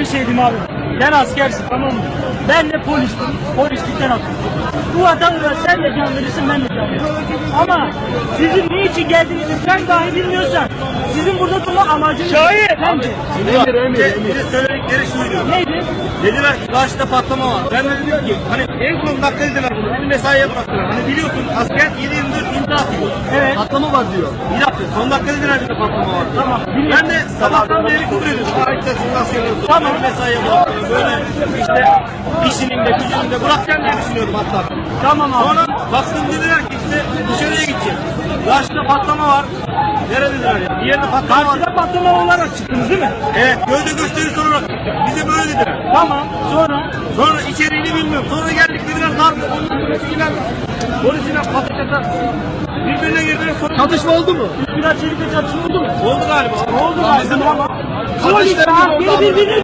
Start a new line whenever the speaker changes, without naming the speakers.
bir şey diyeyim abi. Ben askersin, tamam mı? Ben de polistim. Polislikten atıldım. Bu vatandaş sen de can verirsin, ben de can veririm. Ama sizin niçin geldiğinizi sen dahi bilmiyorsan sizin burada durma amacınız bence.
Bir de söyledikleri şuydu.
Neydi?
Dediler ki karşıda patlama var. Ben de dedim ki hani en son dakika dediler bunu. Beni mesaiye bıraktılar. Hani biliyorsun asker 7/24 imza atıyor.
Evet.
Patlama var diyor. Bir dakika son dakika dediler bir de patlama var.
Tamam.
Ben de sabahtan beri küfür ediyorum. Harika siz nasıl yapıyorsunuz?
Tamam.
Beni mesaiye bıraktılar. Böyle işte işinin de gücünün de bırakacağım diye düşünüyorum hatta.
Tamam abi.
Sonra baktım dediler ki işte dışarıya gideceğiz. Karşıda patlama var. Nerede dediler ya? Bir yerde patlama var.
Karşıda patlama olarak çıktınız değil mi?
Evet, gövde gösterisi olarak bize böyle dediler.
Tamam. Sonra?
Sonra içeriğini bilmiyorum. Sonra geldik dediler darbe. Ondan sonra polisiyle patlakata birbirine girdiler. Sonra çatışma oldu mu?
Üsküdar Çelik'te çatışma oldu mu?
Oldu galiba.
Oldu galiba. Polis
Kardeşlerim
birbirini